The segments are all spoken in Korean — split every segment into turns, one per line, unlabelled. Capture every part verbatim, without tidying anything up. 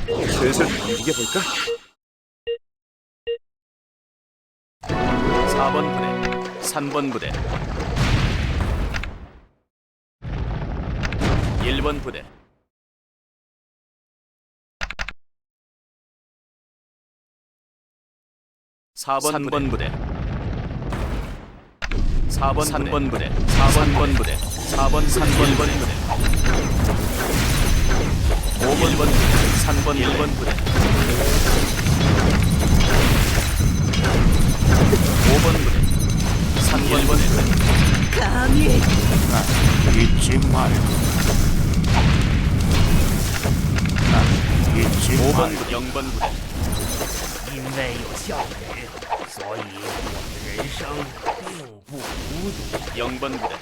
슬슬 이겨볼까? 사 번 부대, 삼 번 부대, 일 번 부대, 사 번 삼 번 부대, 사 번 삼 번 부대, 사 번 부대, 사 번 삼 번 부대, 오 번 부대, 삼 번 일 번 부대, 오 번 부대, 삼 번 일 번 부대.
감히
나 잊지 말고. 나 잊지
오 번
말고.
부대, 영 번 부대,
因为有项羽，所以我的人生并不孤独。
영 번 부대,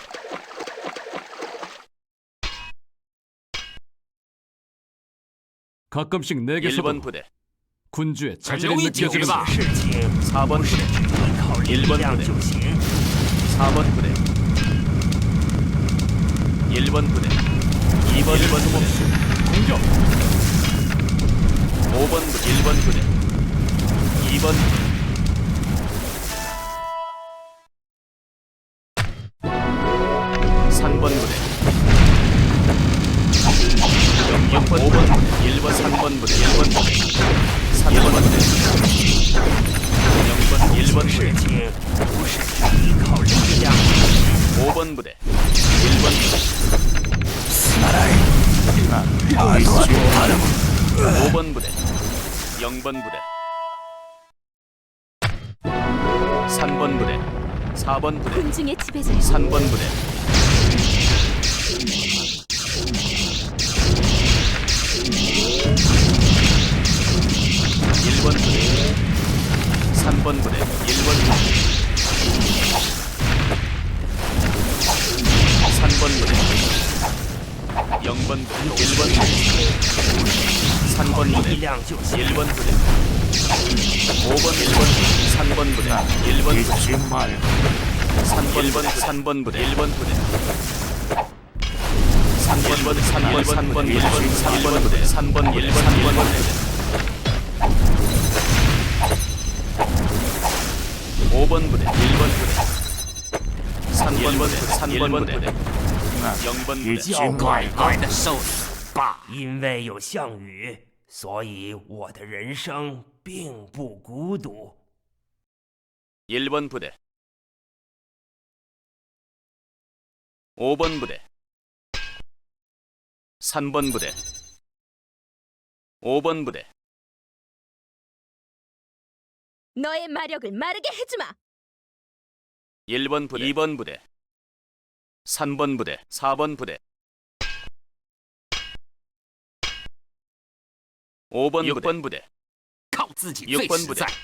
가끔씩
일
내게서도
번 부대,
군주의
很
자질이
容易解决
느껴지는
吧？事情
사 번
不是
부대,
只依靠力量就行。
사 번 부대, 일 번 부대, 이 번 일 번 부대,
공격!
오 번 부대, 일 번 부대, 이 번 부대, 삼 번 부대, 영 번, 오 번 부대, 일 번, 삼 번 부대, 일 번 부대, 삼 번 부대, 영 번, 일 번
事
부대,
情不是只依靠力量就行。
오 번 부대, 일 번 부대,
나 잊지 말고.
오 번 부대, 영 번 부대, 삼 번 부대, 사 번 부대,
군중의 지배자야.
삼 번 부대, 일 번 부대, 삼 번 부대, 일 번 부대, 삼 번 부대, 영 번 부대, 일 번 부대, 삼 번
力
부대,
量就行。
일 번 부대, 오 번, 일 번 부대, 삼 번 부대, 일 번 부대,
잊지 말고.
삼 번, 일 번, 삼 번 부대, 일 번 부대, 삼 번 부대, 삼 번, 삼 번, 일 번, 삼 번 부대, 삼 번, 일 번, 삼 번 부대, 오 번 부대, 일 번 부대, 삼 번 부대, 삼 번 부대,
나
영 번 부대,
잊지
要乖
말고.
乖的受死吧！因为有项羽，所以我的人生并不孤独。
일 번 부대, 오 번 부대, 삼 번 부대, 오 번 부대,
너의 마력을 마르게 해주마.
일 번 부대, 이 번 부대, 삼 번 부대, 사 번 부대, 오 번, 육 번 부대,
靠自己
육
最
번
实
부대,
在。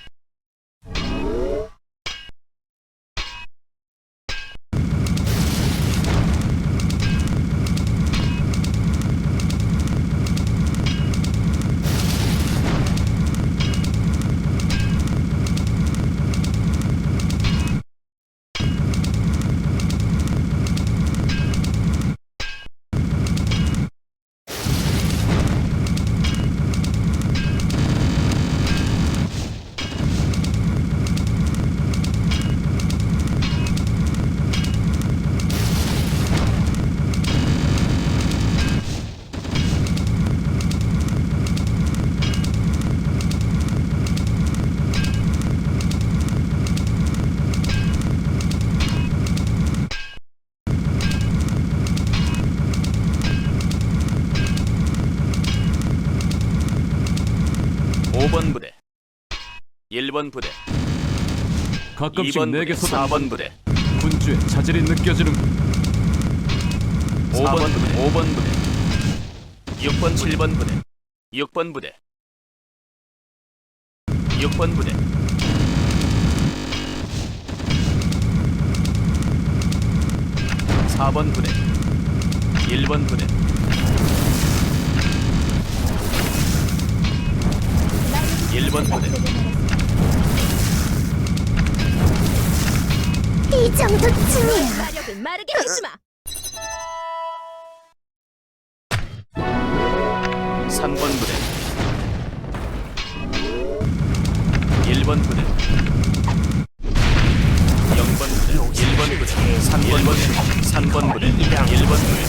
오 번 부대, 일 번 부대, 이
가끔씩
번 부대,
내게서도
사 번 부대,
군주의 자질이 느껴지는군.
오 번 부대, 오 번 부대, 육 번, 칠 번 부대, 육 번 부대, 육 번 부대, 사 번 부대, 일 번 부대, 일 번 부대,
이 정도쯤이야. 마력을 마르게 해주마.
삼 번 부대, 번 부대 영 번 부대 일 번 부대 삼 번 부대 삼 번 부대 일 번 부대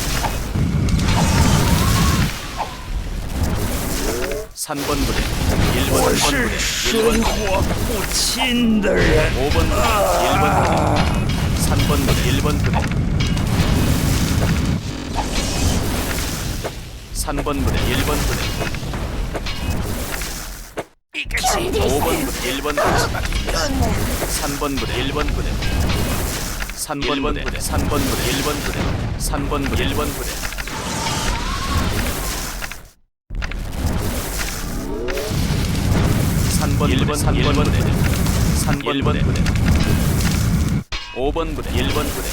삼 번 부대 일 번 부대 일 번 부대
不亲的人。
오 번 부대 일 번 부대 삼 번 부대 일 번 부대 삼 번 부대 일 번 부대 오 번 부대 일 번 부대 삼 번 부대 일 번 부대 삼 번 부대 삼 번 부대 일 번 부대 삼 번 부대 일 번 부대 삼 번 일 번 삼 번 부대 삼 번 부대 오 번 부대 일 번 부대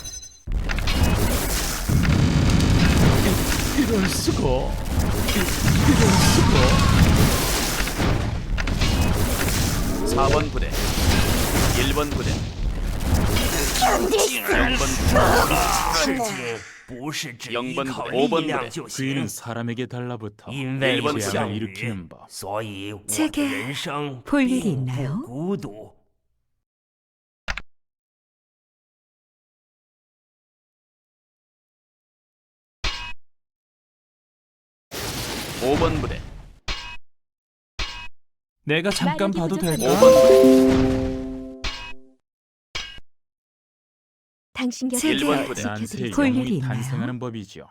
이럴 수가. 이럴 수가.
사 번 부대 일 번 부대 영 번 부대
事情不是只依靠
오 번
力量
부대
就
그이는
行，
사람에게 달라붙어
因为有
번
项
재앙을
羽
일으키는 ， 법.
所以我的
제게
人生
볼 일이
并
있나요?
不孤独。
오 번 부대
내가 잠깐
마력이
봐도
부족하네.
될까?
오 번 부대
당신 곁에
일 번 부대.
난세의
볼 일이
영웅이
있나요?
탄생하는 법이죠.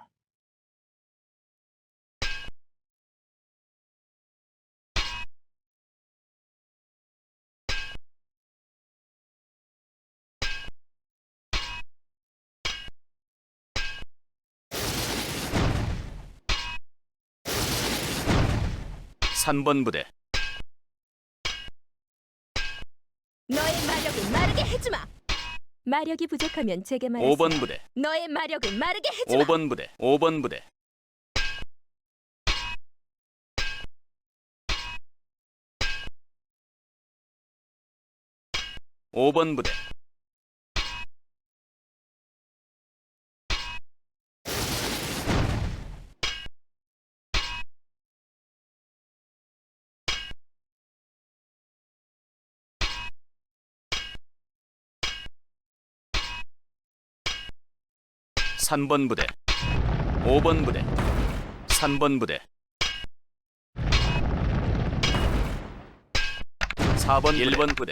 삼 번 부대
너의 마력을 마르게 해주마. 마력이 부족하면 제게 말하세요.
오 번 부대
너의 마력을 마르게 해주마.
오 번 부대 오 번 부대 오 번 부대 삼 번 부대 오 번 부대 삼 번 부대 사 번 일 번 부대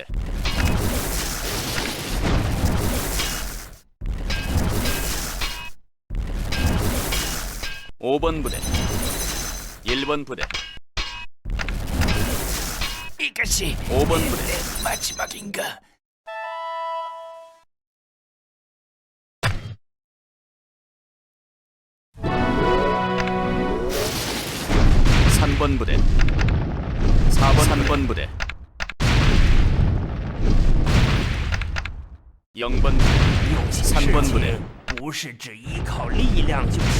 오 번 부대 일 번 부대
이것이
오 번 부대
마지막인가?
삼 번 부대 사 번 삼 번 부대 영 번 부대
有些
三번부대
事情不是只依靠力量就行。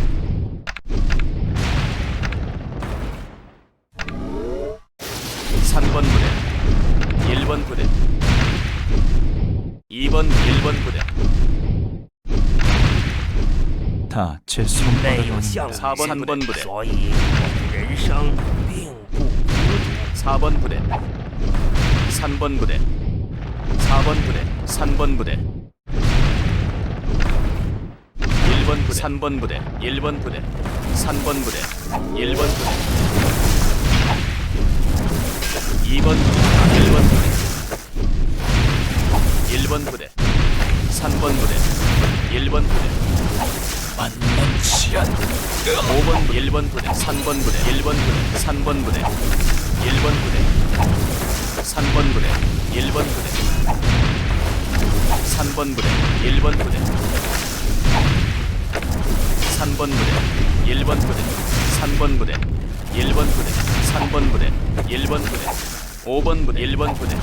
삼 번 부대 일 번 부대 이 번 일 번 부대
다 제
因为有
손바닥
项羽
사 번 삼 번 부대
所以我的人生并不孤独。
사 번 부대 삼 번 부대 사 번 부대 삼 번 부대 일 번 부대 삼 번 부대 일 번 부대 삼 번 부대 일 번 부대 이 번 부대 일 번 부대 일 번 부대 삼 번 부대 일 번 부대 만만치 않 오 번 부대 일 번 부대 삼 번 부대 일 번 부대 삼 번 부대 일 번 부대 삼 번 부대 일 번 부대 삼 번 부대 일 번 부대 삼 번 부대 일 번 부대 삼 번 부대 일 번 부대 삼 번 부대 일 번 부대 오 번 부대 일 번 부대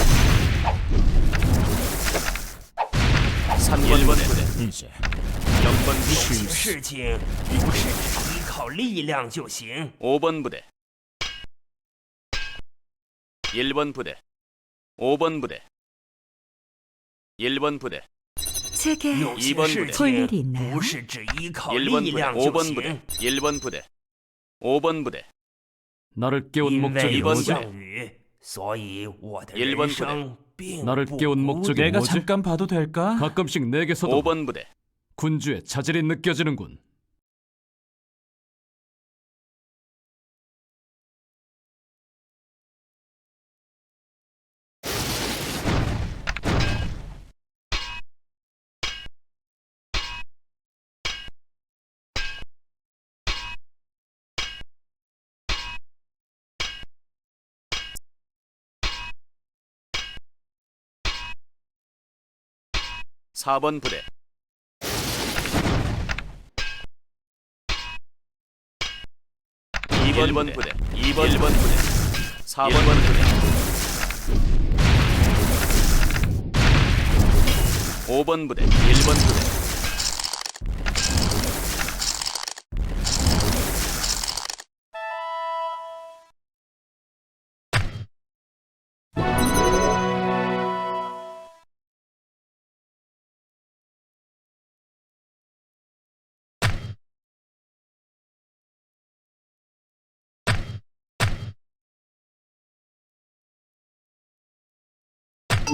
삼 번 부대
이제
영 번
有
부대
些事情不是只依靠力量就行。
오 번 부대 일 번 부대 오 번 부대 일 번 부대
제게
有
이 번
些事
부대
볼
情
일이 있나요?
不是只依靠
일 번
力
부대
量
오
就
번
行
부대 。 일 번 부대 오 번 부대
너를 깨운
因为
목적이
有
번
뭐지?
项羽， 所以我的
일
人
번
生并
나를
不
깨운
孤
목적이
独。
내가
뭐지?
잠깐 봐도 될까?
가끔씩 내게서도
오 번 부대
군주의 자질이 느껴지는군.
사 번 부대 이 번 부대 이 번 부대 사 번 부대 오 번 부대 일 번 부대